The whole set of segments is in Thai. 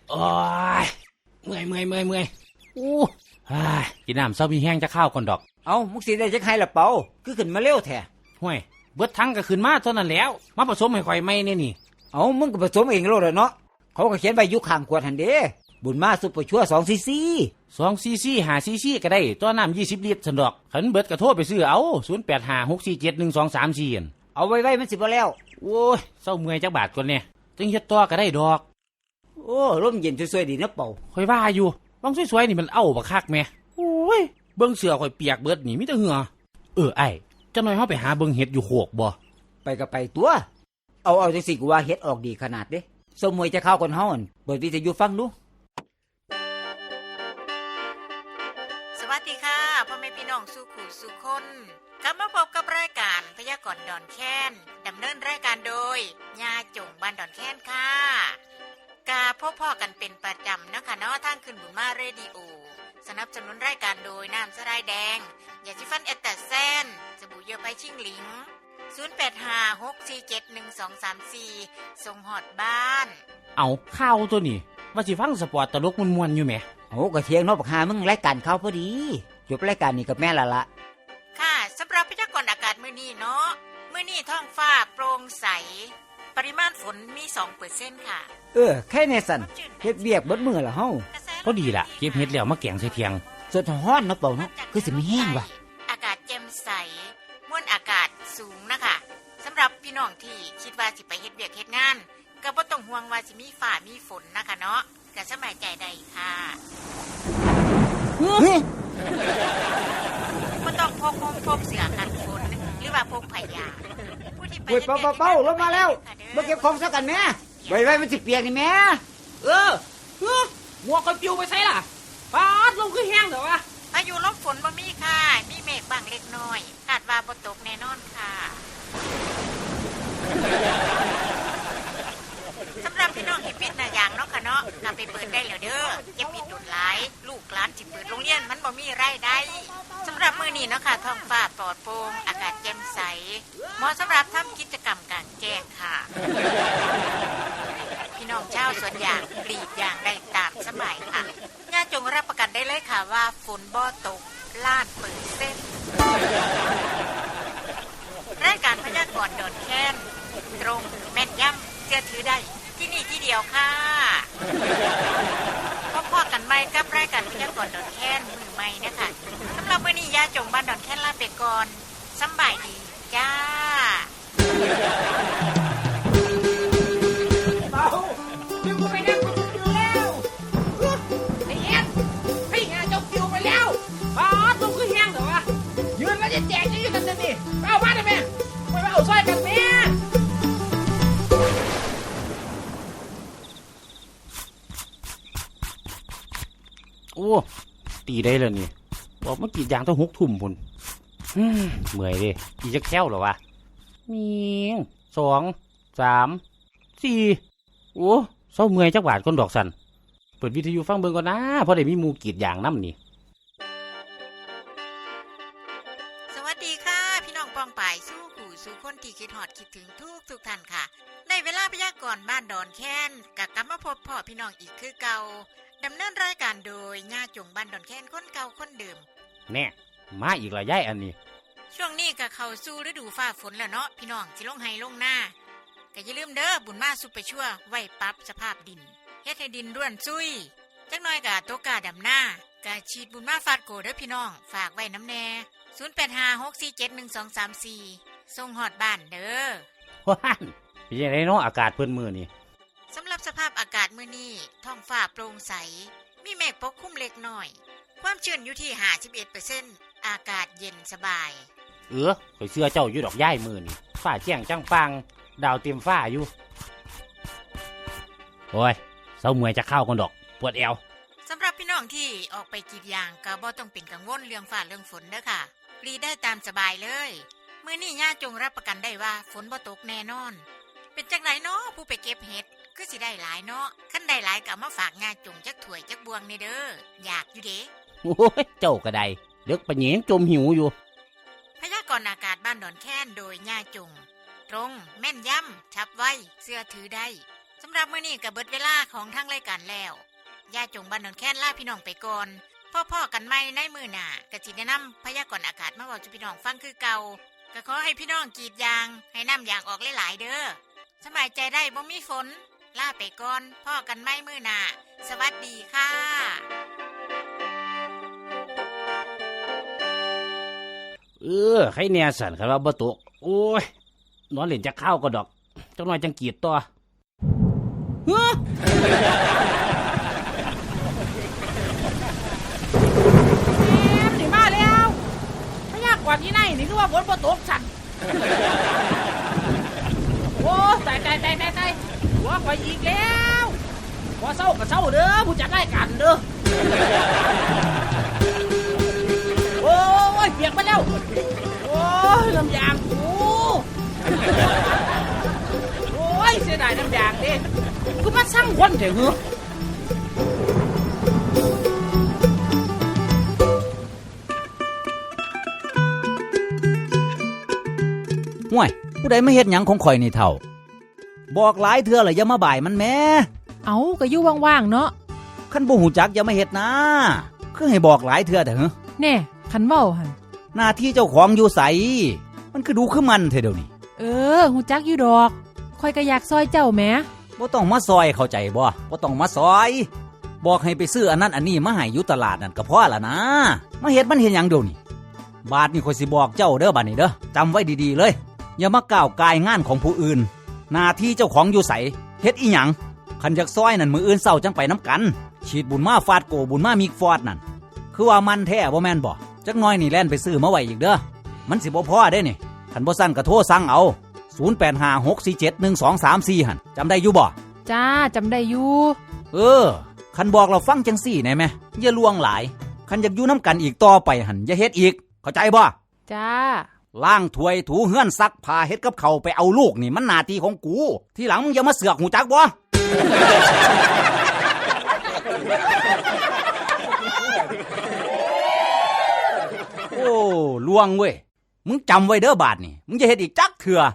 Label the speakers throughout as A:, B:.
A: โอ้ยเมื่อยอู้กินน้ำเศร้ามีแห้งจะข้าวก่อนดอก
B: เอามุกสีได้จะใครละเปาคือขึ้นมาเร็วแท้
A: ห่วยเบิดทั้งก็ขึ้นมาเท่านั้นแล้วมาผสมให้ข่อยไม่เนี่ยนี่
B: เอามึงก็ผสมเองโลดเนาะเขาก็เขียนไว้อยู่ข้างขวดหันเด้บุญมาซุปเปอร์ชั่ว2 cc
A: 2 cc 5 cc ก็ได้ตัวน้ำ20 ลิตรสันดอกขันเบิดกระโทษไปซื้อเอา0856471234
B: เอาไว้มันสิบ่แล้ว
A: โอ้ยเศร้าเมื่อยจักบาทก่อนเนี่ยจึงเฮ็ดต่อก็ได้ดอก
B: โอ้ลมเย็นสวยๆดีนะเป่า
A: ข่อยว่าอยู่บางสวยๆนี่มันเอาบักคักแม่โอ้ยเบิ่งเสื้อข่อยเปียกเบิดนี่มีแต่เหงื่อไอ้จังหน่อยเฮาไปหาเบิ่งเฮ็ดอยู่โขกบ่
B: ไปก็ไปตัวเอาจังสิกูว่าเฮ็ดออกดีขนาดเด้สมมวยจะเข้าคนเฮาอั่นเปิดวิทยุฟังดู
C: สวัสดีค่ะพ่อแม่พี่น้องสู่ขู่สู่คนกลับมาพบกับรายการพยากรณ์ดอนแค้นดำเนินรายการโดยญาจงบ้านดอนแค้นค่ะกาพบพ่อกันเป็นประจำนะคะเนาะทางขึ้นบุญมาเรดิโอสนับสนุนรายการโดยน้ำสะไลแดงยาสีฟันเอตตาแซนสบู่เยื่อใบชิ่งหลิง0856471234ส่งฮอดบ้าน
A: เอาข้าวตัวนี้ว่าสิฟังสปอร์ตตลกม่วนๆอยู่แหม
B: โอ้ก็เที่ยงเนาะบักหามึงรายการเข้าพอดีจบรายการนี้กับแม่ละ
C: ค่ะสำหรับพยากรณ์อากาศมื้อนี้เนาะมื้อนี้ท้องฟ้าโปร่งใสปริมาณฝนมี 2% ค่ะ
B: แค่ในสั่นเฮ็ดเวียกเบิดมื้อละเฮา
A: พอดีล่ะเก็บเฮ็ดแล้วมาแกงใส่เที่ยง
B: สดฮ้อนเนาะเป่าเนาะคือสิมีแห้งว่ะ
C: อากาศแจ่มใสมวลอากาศสูงนะคะสำหรับพี่น้องที่คิดว่าสิไปเฮ็ดเวียกเฮ็ดงานก็บ่ต้องห่วงว่าสิมีฟ้ามีฝนนะคะเนาะก็สบายใจได้ค่ะบ่ต้องพกเสื้อกันฝนหรือว่าพกผ้ายางผู้ที่ไปเฮ็ดเวียก
B: เป่าลงมาแล้วมาเก็บของซะกันแม่ไว้มันสิเปียกนี่แม่
A: หมวกก็ปิวไปไสล่ะปาดลงคือแห้งเด้อวะ
C: พายุลมฝนบ่มีค่ะมีเมฆบางเล็กน้อยคาดว่าบ่ตกแน่นอนค่ะสำหรับพี่น้องที่ปิดหน้าอย่างเนาะค่ะเนาะก็ไปเปิดได้แล้วเด้ออย่าปิดดุดหลายลูกหลานสิเปิดโรงเรียนมันบ่มีรายได้สำหรับมื้อนี้เนาะค่ะท้องฟ้าปลอดโปร่งอากาศแจ่มใสเหมาะสำหรับทำกิจกรรมกลางแจ้งค่ะพี่น้องชาวสวนยางกรีดยางได้ตามสบายค่ะญาติจงรับประกันได้เลยค่ะว่าฝนบ่ตกล้านเปิดเส้นรายการพยากรณ์ดอนแค้นตรงแม่นยำเชื่อถือได้ที่นี่ที่เดียวค่ะพบกันใหม่กับรายการพยากรณ์ดอนแค้นมือใหม่นะคะสำหรับมื้อนี้ญาติจงบ้านดอนแค้นลาไปก่อนสำบายดีจ้า
A: แจกจะอยู่กันนี่เอาบ้านได้ไหมไม่มาเอาสร้อยกันแม่โอ้ตีได้เลยนี่บอกเมื่อกี้ยางต้อง6 ทุ่มพุ่นเมื่อยดิอีจะแค้วเหรอวะมี2 3 4โอ้เศร้าเมื่อยจักบาทก้นดอกสันเปิดวิทยุฟังเบิ่งก่อนนะเพราะได้มีมูกีดยางน้ำนี่
C: สู่คนที่คิดฮอดคิดถึงทุกท่านค่ะในเวลาพยากรณ์บ้านดอนแค้นกลับมาพบพ่อพี่น้องอีกคือเก่าดำเนินรายการโดยญาจงบ้านดอนแค้นคนเก่าคนเดิม
A: แน่มาอีกละยายอันนี้
C: ช่วงนี้ก็เข้าสู่ฤดูฟ้าฝนแล้วเนาะพี่น้องสิลงไห้ลงหน้าก็อย่าลืมเด้อบุญมาซุปเปอร์ชั่วไว้ปรับสภาพดินเฮ็ดให้ดินร่วนซุยจักหน่อยก็ตกกาดำหน้ากะฉีดบุญมาฟาดโกเด้อพี่น้องฝากไว้น้ำแน่0856471234ส่งฮอดบ้านเด้อ
A: ว้านเป็นยังไงเนาะอากาศเพิ่นมื้อนี้
C: สำหรับสภาพอากาศมื้อนี้ท้องฟ้าโปร่งใสมีเมฆปกคลุมเล็กน้อยความชื้นอยู่ที่ 51% อากาศเย็นสบาย
A: ข่อยเชื่อเจ้าอยู่ดอกย้ายมื้อนี้ฟ้าแจ้งจังปังดาวเต็มฟ้าอยู่โอ้ยเศร้าเมื่อยจะเข้าก่อนดอกปวดเอว
C: สำหรับพี่น้องที่ออกไปกรีดยางก็บ่ต้องเป็นกังวลเรื่องฟ้าเรื่องฝนเด้อค่ะกรีดได้ตามสบายเลยมื้อนี้ญาจงรับประกันได้ว่าฝนบ่ตกแน่นอนเป็นจังได๋เนาะผู้ไปเก็บเห็ดคือสิได้หลายเนาะคันได้หลายก็มาฝากญาจงจักถ้วยจักบวงนี่เด้ออยากอยู่เด้
A: โอ้ยเจ้าก็ได้เด็กปะเหยงจมหิวอยู่
C: พยากรณ์อากาศบ้านดอนแค้นโดยญาจงตรงแม่นยำฉับไวเชื่อถือได้สำหรับมื้อนี้ก็เบิดเวลาของทางรายการแล้วย่าจงบ้านดอนแค้นลาพี่น้องไปก่อนพ่อกันใหม่ในมื้อหน้าก็สิได้นำพยากรณ์อากาศมาเว้าสู่พี่น้องฟังคือเก่าก็ขอให้พี่น้องกรีดยางให้น้ำยางออกหลายๆเด้อสบายใจได้บ่มีฝนลาไปก่อนพ่อกันใหม่มื้อหน้าสวัสดีค่ะ
A: ใครแน่สั่นครับว่าบ่ตกโอ้ยนอนเล่นจะข้าวก็ดอกจังหน่อยจังกีดตัวเฮ้อ
D: แม่มาแล้วพยากรณ์ที่ไหนนี่คือว่าฝนบ่ตกสั่นโอ้ตายหัวข่อยอีกแล้วพอเศร้าก็เศร้าเด้อผู้จัดรายการเด้อโอ้ยเปียกมาแล้วโอ้ยน้ำยางกูโอ้ยเสียดายน้ำยางดิกูมาสั่งคนเถอะเหรอ
B: ห่วยผู้ใดมาเฮ็ดหยังของข่อยนี่เฒ่าบอกหลายเทื่อแล้วอย่ามาบ่ายมันแหม่
D: เอาก็อยู่ว่างๆเนาะ
B: คันบ่ฮู้จักอย่ามาเฮ็ดนะคือให้บอกหลายเทื่อแต่เหรอ
D: แน่คันเว้าหั่น
B: หน้าที่เจ้าของอยู่ไสมันคือดูคือมันเท่เดี๋ยวนี้
D: ฮู้จักอยู่ดอกข่อยก็อยากซอยเจ้าแหม
B: บ่ต้องมาซอยเข้าใจบ่ต้องมาซอยบอกให้ไปซื้ออันนั้นอันนี้มาให้อยู่ตลาดนั่นก็พอละนะมาเฮ็ดมันเฮ็ดหยังเดี๋ยวนี้บาดนี้ข่อยสิบอกเจ้าเด้อบัดนี้เด้อจำไว้ดีๆเลยอย่ามาก้าวกายงานของผู้อื่นหน้าที่เจ้าของอยู่ไสเฮ็ดอีหยังคันอยากซอยนั่นมื้ออื่นเช้าจังไปน้ำกันฉีดบุญมาฟาดโกบุญมามีฟอดนั่นคือว่ามันแท้บ่แม่นบ่จักหน่อยนี่แล่นไปซื้อมาไว้อีกเด้อมันสิบ่พอเด้นี่คันบ่สั่นก็โทรสั่งเอา0856471234หั่นจำได้อยู่บ่
D: จ้าจำได้อยู่
B: คันบอกเราฟังจังซี่แน่แม่อย่าลวงหลายคันอยากอยู่น้ำกันอีกต่อไปหั่นอย่าเฮ็ดอีกเข้าใจบ่
D: จ้า
B: ล้างถ้วยถูเฮือนซักผ้าเฮ็ดกับข้าวไปเอาลูกนี่มันหน้าที่ของกูทีหลังมึงอย่ามาเสือกหูจักบ่ โอ้ลวงเว้ยมึงจำไว้เด้อบาดนี่มึงจะเฮ็ดอีกจักเถื่อ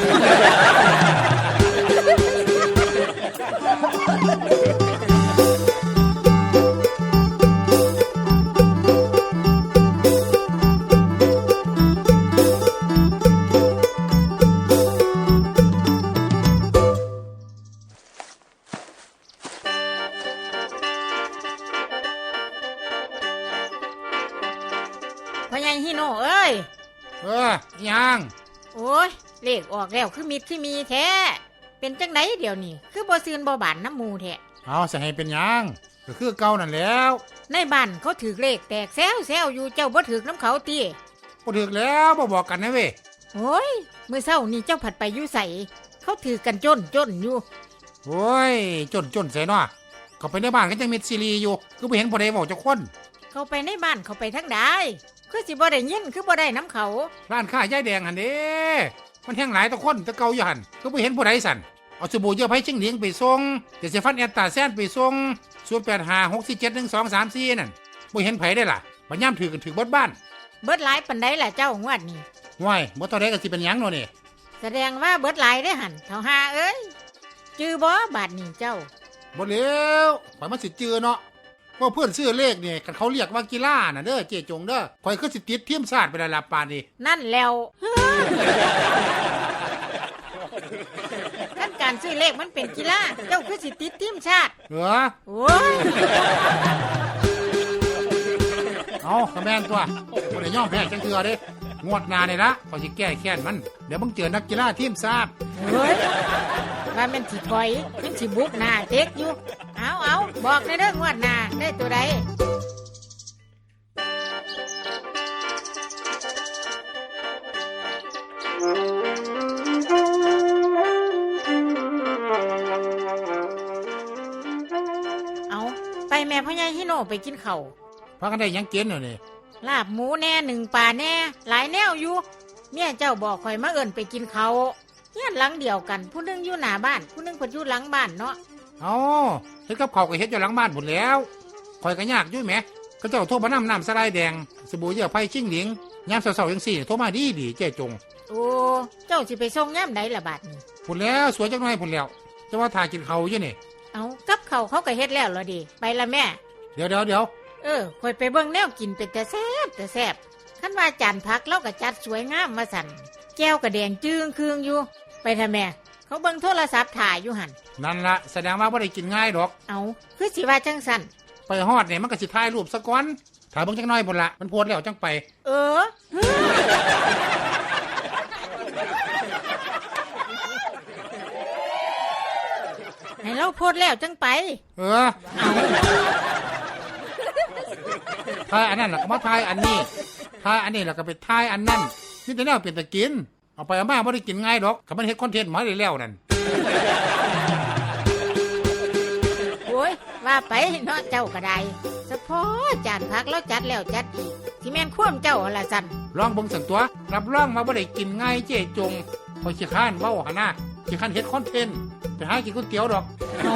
C: พ่อใหญ่ฮิโน่เอ้ย
E: ยัง
C: โอ้ยเลขออกแล้วคือมิดที่มีแท้เป็นจังไดเดี๋ยวนี้คือบ่ซื่นบ่บานน้ำหมูแท้
E: เอาสิให้เป็นยังก็คือเก่านั่นแล้ว
C: ในบ้านเขาถือเลขแตกแซวอยู่เจ้าบ่ถือน้ำเขาติ
E: บ่ถึกแล้วบ่บอกกันนะเว้ย
C: โอ้ยมื้อเช้านี่เจ้าผัดไปอยู่ไสเขาถือกันจนอยู่
E: โอ้ยจนใส่เนาะเขาไปในบ้านก็ยังมีซีรีอยู่คือบ่เห็นบ่ได้เว้าจักคน
C: เขาไปในบ้านเขาไปทางใดคือสิบ่ได้ยินคือบ่ได้น้ำเขา
E: ร้านค้ายายแดงหั่นเด้มันแห้งหลายตะคนตะเก่าอยู่หั่นคือบ่เห็นผู้ใดสั่นเอาสบู่เยื่อไผ่จิ้งเหลียงไปส่งเดี๋ยวสิฟันแอตตาแซนไปส่ง0856471234นั่นบ่เห็นไผได้ล่ะบัดยามถือกันถือเบิดบ้าน
C: เบิดหลายปานใดล่ะเจ้างวดนี้
E: ว้ายบ่เท่าใดก็สิเป็นหยังเนาะนี่
C: แสดงว่าเบิดหลายได้อหั่นเฒ่าหาเอ้ยจื้อบ่บาดนี้เจ้า
E: บ่แล้วข่อยมันสิจื้อเนาะว่าเพื่อนซื้อเลขนี่กันเขาเรียกว่ากีฬาน่ะเด้อเจจงเด้อข่อยคือสิติดทีมชาติไปแล้วล่ะปานนี้
C: นั่นแล้วขั้นการซื้อเลขมันเป็นกีฬาเจ้าคือสิติดทีมชาติ
E: เหรอ
C: โอ้ย
E: เอากระแมนตัวบ่ได้ยอมแพ้จังเทื่อเด้งวดหน้านี่ละข่อยสิแก้แค้นมันเดี๋ยวมึงเจอนักกีฬาทีมชาติ
C: เฮ้ยว่ามันสิถอยมันสิบุกหน้าเต็กอยู่เอาบอกในเรื่องงวดหน้าได้ตัวใดเอาไปแม่พ่อใหญ่ฮิโน่ไปกินข้าว
E: พากันได้หยังกินเนาะนี่
C: ลาบหมูแน่หนึ่งป่าแน่หลายแนวอยู่เมียเจ้าบอกข่อยมาเอิ้นไปกินเขาวเฮียนหลังเดียวกันผู้หนึงอยู่หน้าบ้านผู้หนึงเพิ่นอยู่หลังบ้านเนาะ
E: เอาเฮ็ดกับข้าวก็เฮ็ดอยู่หลังบ้านพุ่นแล้วข่อยก็ยากอยู่แหมก็เจ้าโทรมานำน้ำสลายแดงสบู่เยื่อไผ่จิ้งเหลียงยามเช้าๆจังซี่โทรมาดีเจ๊จง
C: โอ้เจ้าสิไปส่งย่ำใดล่ะบาดนี้
E: พุ่นแล้วสวยจังหน่อยพุ่นแล้วจะว่าถ่ายกินเขาวอยู่นี่
C: เอากับเขาก็เฮ็ดแล้วเหรอดิไปละแม่
E: เดี๋ยว
C: ข่อยไปเบิ่งแนวกินเป็นแต่แซ่บคันว่าจานผักเราก็จัดสวยงามมาสั่นแก้วก็แดงจึงคืองอยู่ไปทำแม่เขาเบิ่งโทรศัพท์ถ่ายอยู่หั่น
E: นั่นละแสดงว่าบ่ได้กินง่ายดอก
C: เอาคือสิว่าจังสั่น
E: ไปฮอดเนี่ยมันก็สิถ่ายรูปซะก่อนถ่ายเบิ่งจักหน่อยพุ่นละมันโพสต์แล้วจังไป
C: เออให้เราโพดแล้วจังไป
E: เออถ่ายอันนั้นแล้วก็มาถ่ายอันนี้ถ่ายอันนี้แล้วก็ไปถ่ายอันนั้นนี่แต่แนวเป็นตะกินเอาไปเอามาบ่ได้กินง่ายดอกก็มันเฮ็ดคอนเทนต์มาได้แล้วนั่น
C: โอ้ยว่าไปเนาะเจ้าก็ได้เฉพาะจานผักแล้วจัดแล้วจัดอีกที่แม่นควมเจ้าหั่นล่ะสั่น
E: ลองเบิ่งสันตัวรับรองมาบ่ได้กินง่ายเจ๊จงพอยขี้ข้านเว้าหั่นน่ะขี้ข้านเฮ็ดคอนเทนต์ไปหากินก๋วยเตี๋ยวดอก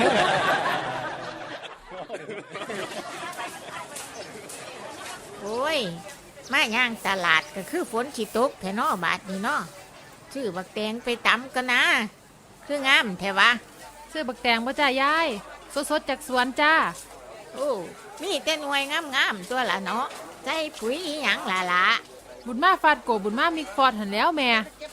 C: โอ้ยมาย่างตลาดก็คือฝนสิตกแท้เนาะบาดนี้เนาะซื้อบักแตงไปตำกันนะคืองามแท้วะ
F: ซื้อบักแตงบ่จ้ายายสดๆจากสวนจ้า
C: โอ้มีแต่หน่วยงามๆตัวละเนาะใส่ปุ๋ยอีหยังล่ะ
F: บุญมาฟาดโกบุญมามิกฟอร์ดหันแล้วแม่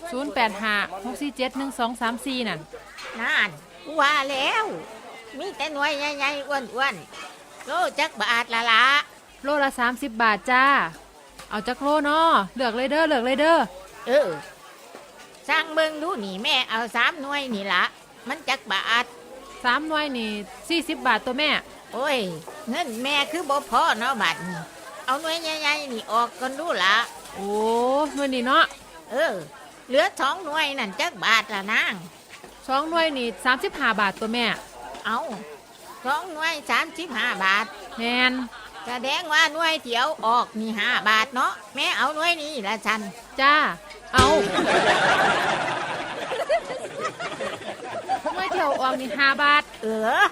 F: 0856471234นั่น
C: นั่นว่าแล้ว มีแต่หน่วยใหญ่ๆอ้วนๆโลจักบาทละ
F: โลละ30 บาทจ้า เอาจักโลเนาะเลือกเลยเด้อเลือกเลยเด้อ
C: เออสร้างเบิ่งดูนี่แม่เอา3หน่วยนี่ละมันจักบาท
F: 3 หน่วยนี่40 บาทตัวแม่
C: โอ้ยเงินแม่คือบ่พอเนาะบาดนี้เอาหน่วยใหญ่ๆนี่ออกกันดูละ
F: โอ้หน่วยนี่เนาะ
C: เออเหลือ2หน่วยนั่นจักบาทละนาง
F: 2 หน่วยนี่35 บาทตัวแม่
C: เอา2หน่วย35 บาท
F: แม่น
C: แสดงว่าหน่วยเดียวออกนี่5 บาทเนาะแม่เอาหน่วยนี้ละฉัน
F: จ้าเอาหน่วยเที่ยวออกนี่5 บาท
C: เออ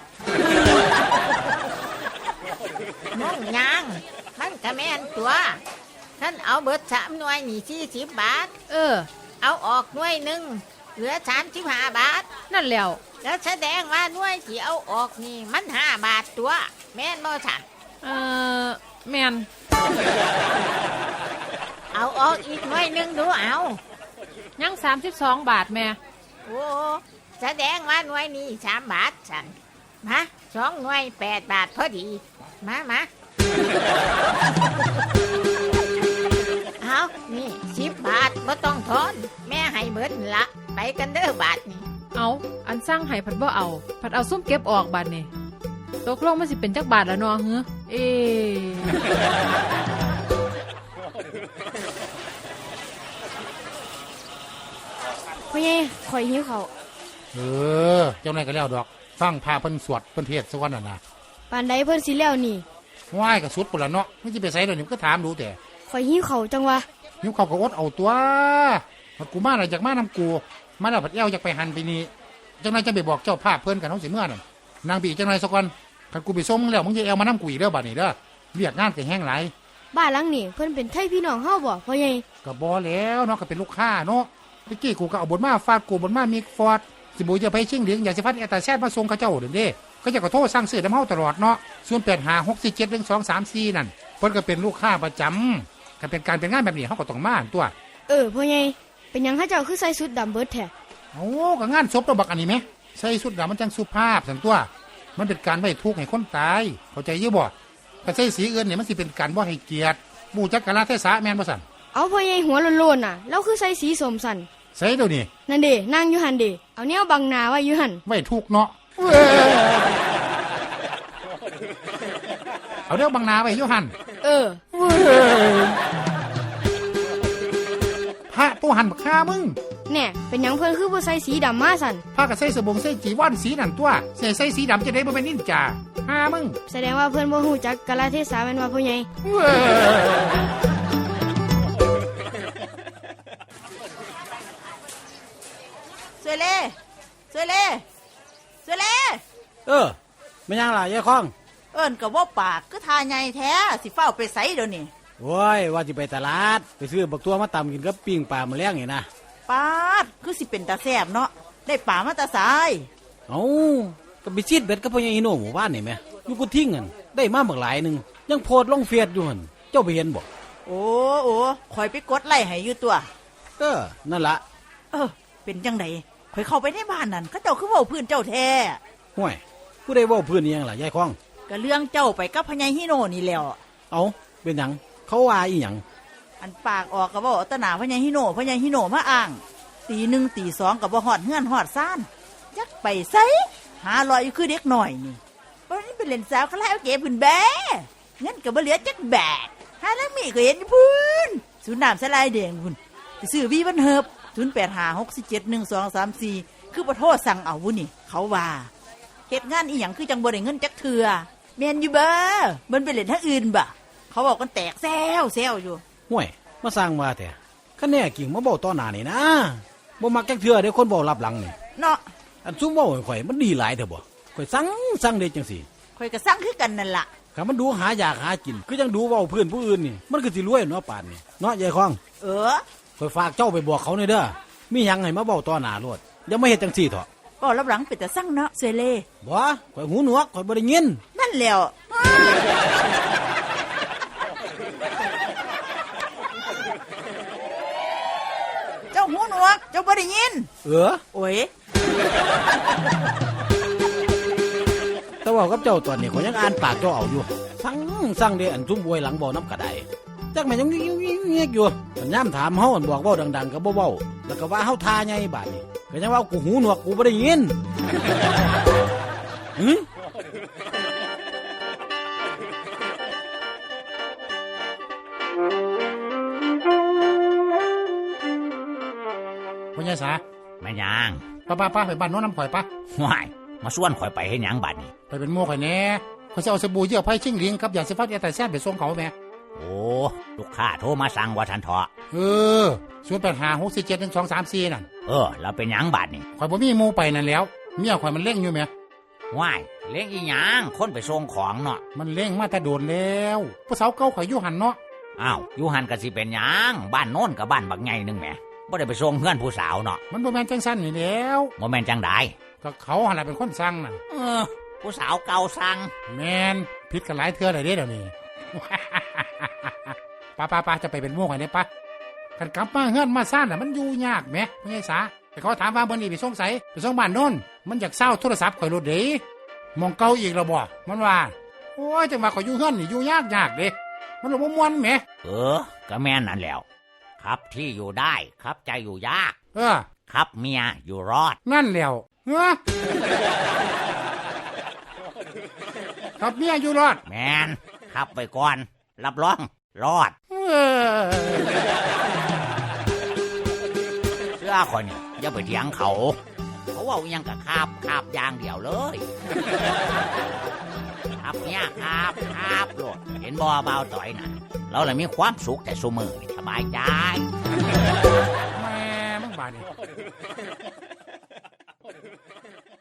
C: มองยังมันก็แม่นตัวท่านเอาเบิด3หน่วยนี่40 บาท
F: เออ
C: เอาออกหน่วยหนึ่งเหลือ35 บาท
F: นั่นแล้ว
C: แล้วแสดงว่าหน่วยที่เอาออกนี่มัน5 บาทตัว แม่นบ่ฉัน
F: แม่น
C: เอาออกอีกหน่วยหนึ่งดูเอา
F: ยัง32 บาทแม่
C: โอ้แสดงว่าหน่วยนี้3 บาทฉันมา2หน่วย8 บาทพอดีมาเอานี่10 บาทบ่ต้องทอนแม่ให้เบิดนั่นละไปกันเด้อบาทนี่
F: เอาอันสร้างให้ผัดบ่เอาผัดเอาซุ่มเก็บออกบาทนี่ตกลงมันสิเป็นจักบาทละเนาะฮึเอ
G: พ่อใหญ่ข่อยหิวเขาว
E: เออเจ้านายก็แล้วดอกฟังพาเพิ่นสวดเพิ่นเทศน์ซะก่อนน่ะนะ
G: ปานใดเพิ่นสิแล้วนี่
E: ว่ายก็สุดพุ่นละเนาะมันสิไปไสเดี๋ยวนี้มันก็ถามดูแต่
G: ข่อยหิวเขาวจังวะ
E: หิวเขาวก็อดเอาตัวมันกูมาแล้วอยากมานํกูมาแล้วผัดแอวอยากไปหันไปนี่เจ้านายจะไปบอกเจ้าภาพเพิ่นกันเฮาสิเมื่อนั่นนางบีเจ้านายซะก่อนคันกูไปส่งมึงแล้วมึงจะแอวมานํกูอีกเด้อบัดนี้เด้อเรียกงานก็แห้งหลาย
G: บ้านหลังนี่เพิ่นเป็นไทพี่น้องเฮาบ่พ่อใหญ่
E: ก็บ่แล้วเนาะก็เป็นลูกค้าเนาะเมื่อกี้กูก็เอาบนมาฟาดกูบนมามิกฟอร์ดสิบูจะไปชิงเหลียงอยากสิฟัดแอตาแซดมาส่งเขาเจ้าเด้อเด้ก็จะก็โทรสั่งซื้อน้ำเฮาตลอดเนาะ0856471234นั่นเพิ่นก็เป็นลูกค้าประจำก็เป็นการเป็นงานแบบนี้เฮาก็ต้องมาตัว
G: พ่อใหญ่เป็นหยังเขาเจ้าคือใส่ชุดดำเบิดแท้
E: โอ้ก็งานศพตัวบักอันนี้ไหมใส่สุดดำมันจังสุภาพสันตัว มันเป็นการไว้ทุกข์ให้คนตายเข้าใจอยี่บ่ถ้าใส่สีอื่นเนี่ยมันสิเป็นการบ่ให้เกียรติบูจักกะลาเทศะแม่นบ่สั่น
G: เอาพ่อใหญ่หัวโลนๆน่ะแล้วคือใส่สีสมสัน
E: ใส่เดี๋ยวนี้
G: นั่นเด้นั่งอยู่หันเด้เอาแนวบังหน้าไว้อยู่หัน
E: ไว้ทุกข์เนาะเอาเดี๋ยวบังนาไว้อยู่หั่น พระผู้หันบักฆ่ามึง
G: แน่เป็นหยังเพิ่นคือบ่ใส่สีดำมาสัน
E: พระก็ใส่สบงใส่จีวรสีนั่นตัวใส่สีดำจะได้บ่เป็นนินจาฆ่ามึง
G: แสดงว่าเพิ่นบ่ฮู้จักกาลเทศะแม่นว่าพ่อใหญ่
H: สวยเล่สวยเล่สวยเล่
B: ไม่ยังล่ะยายคล้อง
H: เอิ้นกับว่าปากก็ทาใหญ่แท้สิเฝ้าไปไสเดี๋ยวนี้
B: โอ้ยว่าสิไปตลาดไปซื้อบักตัวมาตำกินกับปิ้งปลามาแล้งนี่นะ
H: ปาดคือสิเป็นตาแซ่บเนาะได้ป่ามาตาสาย
B: ก
A: เอาก็ไปซีดเบ็ดกับพ่อใหญ่ฮิโน่หมู่บ้านนี่แหม่อยู่กูทิ้งกันได้มาบักหลายหนึงยังโพดลงเฟซอยู่หั่นเจ้าไปเห็นบ่
H: โอ้โอ้คอยไปกดไล่ให้อยู่ตัว
A: นั่นละ
H: เป็นจังไดคอยเข้าไปในบ้านนั่นเขาเจ้าคือเว้าพื้นเจ้าแท้
A: ห่วยผู้ใดเว้าพื้นอีหยังล่ะยายคอง
H: ก็เรื่องเจ้าไปกับพญายฮิโนนี่แหล้ว
A: เอาเป็นหยังเขาว่าอีหยัง
H: อันปากออกก็เว้าเอาแตหนาพญายฮิโนมาอ้างตีหนึ่งตีสองก็บ่ฮอดเฮือนฮอดซ่านยักไปไสหาลอยอยู่คือเด็กหน่อยนี่วันนี้เป็นเล่นสาวคาราโอเกะพื้นแบ้เงินก็บ่เหลือจักแบกหาแล้วมีก็เห็นอยู่พื้นศูนย์น้ำสลายแดงพุ่นไปซื้อวีบันเฮิบ0856471234คือบ่โทรสั่งเอาวุนี่เขาว่าเฮ็ดงานอีหยังคือจังบ่ได้เงินจักเทื่อแม่นอยู่เบ้อมันไปเล่นทางอื่นบ่เขาบอกกันแตกแซวอยู่
A: ห่วยมาสร้างมาแต่คะแน่กิ่งมาเว้าต่อหน้านี่นะบ่มักจักเทื่อเด้คนเว้ารับหลังนี่
H: เนาะ
A: อันซุ่มเว้าให้ข่อยมันดีหลายเด้อบ่ข่อยสั่งเด้จังซี่
H: ข่อยก็สั่งคือกันนั่นล่ะ
A: ถ้ามันดูหาอยากหากินคือจังดูเว้าเพื่อนผู้อื่นนี่มันก็สิรวยเนาะป่านนี่เนาะยายคอง ข่อยฝากเจ้าไปบอกเขาหน่อยเด้อมีหยังให้มาเว้าต่อหน้าโลดอย่ามาเฮ็ดจังซี่เถอะ
H: ก็รับหลังเป็นแต่สั่งเนาะเสยเล่
A: บ่ข่อยหูหนวกข่อยบ่ได้ยิน
H: นั่นแหล้วเจ้าหูหนวกเจ้าบ่ได้ยินโอ้ย
A: แต่ว่ากับเจ้าตอนนี้ข่อยยังอ่านปากเจ้าเอาอยู่สั่งเด้อันซุ่มบวยหลังบ่น้ำกระไดจักแม่นยังเงียบอยู่มันย่ำถามเฮาอันบอกเว้าดังๆก็บ่เว้าแล้วก็ว่าเฮาทาใหญ่บาดนี้ก็ยังว่ากูหูหนวกกูบ่ได้ยินหึ
E: พ่อใหญ่สา
B: แม่นหยัง
E: ป้าไปบ้านโน้นน้ำข่อยปะ
B: ว้ายมาส่วนข่อยไปเฮ็ดหยังบัดนี้
E: ไปเป็นโม่ข่อยแหน่ข่อยจะเอาสบู่เยื่อไผ่ชิงหลิงกับยาสีฟันแอร์ไตแซ่บไปส่งเขาแม่
B: โอ้ลูกค้าโทรมาสั่งว่าทันเถาะ
E: 0856471234นั่น
B: แล้วเป็นหยังบัดนี้
E: ข่อยบ่มีหมู่ไปนั่นแล้วเมียข่อยมันเล่งอยู่แม่
B: ว้ายเลี้ยงอีหยังคนไปส่งของเนาะ
E: มันเล่งมาแต่โดนแล้วผู้สาวเก่าข่อยอยู่หันเนาะ
B: อ้าวอยู่หันก็สิเป็นหยังบ้านโน้นกับบ้านบักใหญ่นึงแหมบ่ได้ไปส่งเพื่อนผู้สาวเนาะ
E: มันบ่แม่นจังซั่นนี่แล้ว
B: บ่แม่นจังได
E: ก็เขาหั่นน่ะเป็นคนสั่งน่ะ
B: ผู้สาวเก่าสั่ง
E: แม่นผิดกันหลายเทื่อเลยเด้เดี๋ยวนี้ ป้าจะไปเป็นหมู่ข่อยได้ปะกันกลับมาเฮือนมาซ่านน่ะมันอยู่ยากแหมพ่อใหญ่สาแต่เขาถามว่ามื้อนี้ไปส่งไสไปส่งบ้านโน้นมันอยากเซาโทรศัพท์ข่อยโลดเด้มองเก่าอีกแล้วบ่มันว่าโอ้ยจังว่าข่อยอยู่เฮือนนี่อยู่ยากเด้มันบ่ม่วนแหม
B: ก็แม่นนั่นแหล้วครับที่อยู่ได้ครับใจอยู่ยาก ครับเมียอยู่รอด
E: นั่นแล้วครับเมียอยู่รอด
B: แมนครับไปก่อนรับรองรอดเสื้อคนนี่อย่าไปเถียงเขาว่าอิหยังกับคาบอย่างเดียวเลยครับเนี่ยครับโลดเห็นบ่เบาต่อยน่ะเราเลยมีความสุขแต่ซุมือนี่สบายใจ
E: แม่มึงบาดนี่